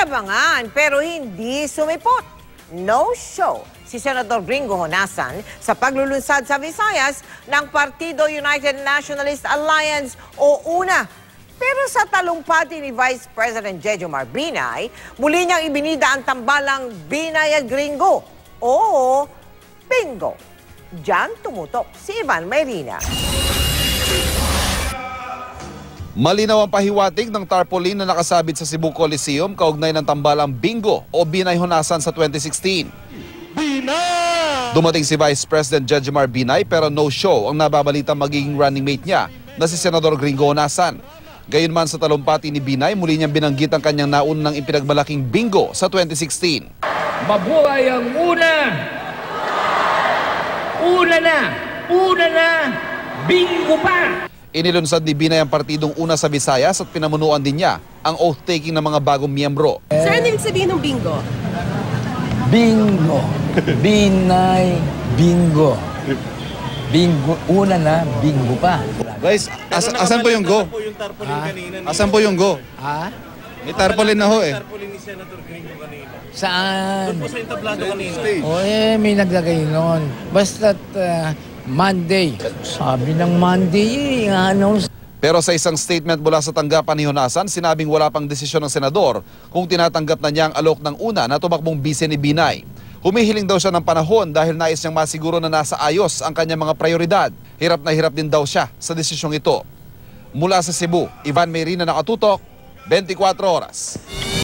Inabangan pero hindi sumipot. No show si Senador Gringo Honasan sa paglulunsad sa Visayas ng Partido United Nationalist Alliance o UNA. Pero sa talumpati ni Vice President Jejomar Binay, muli niyang ibinida ang tambalang Binay at Gringo o Bingo. Diyan tumutok si Ivan Mayrina. Malinaw ang pahiwatig ng tarpaulin na nakasabit sa Cebu Coliseum kaugnay ng tambalang Bingo o Binay Honasan sa 2016. Binay! Dumating si Vice President Jejomar Binay pero no show ang nababalita magiging running mate niya na si Senador Gringo Honasan. Gayunman sa talumpati ni Binay, muli niyang binanggit ang kanyang naunang ipinagmalaking Bingo sa 2016. Mabuhay ang una! Una na! Bingo pa! Inilunsad ni Binay ang partidong una sa Visayas at pinamunuan din niya ang oath-taking ng mga bagong miyembro. Sir, ano ibig sabihin ng bingo? Bingo. Binay, bingo. Bingo, una na, bingo pa. Guys, asan po yung go? Asan po yung go? Ha? May tarpaulin na ho eh. Tarpaulin ni Senator Gringo kanina. Saan? Doon po sa entablado kanina. O may naglagay nun. Basta't Monday. Sabi ng Monday ano? Pero sa isang statement mula sa tanggapan ni Honasan, sinabing wala pang desisyon ng senador kung tinatanggap na niya ang alok ng una na tumakbong bise ni Binay. Humihiling daw siya ng panahon dahil nais niyang masiguro na nasa ayos ang kanyang mga prioridad. Hirap na hirap din daw siya sa desisyong ito. Mula sa Cebu, Ivan Mayrina, nakatutok, 24 oras.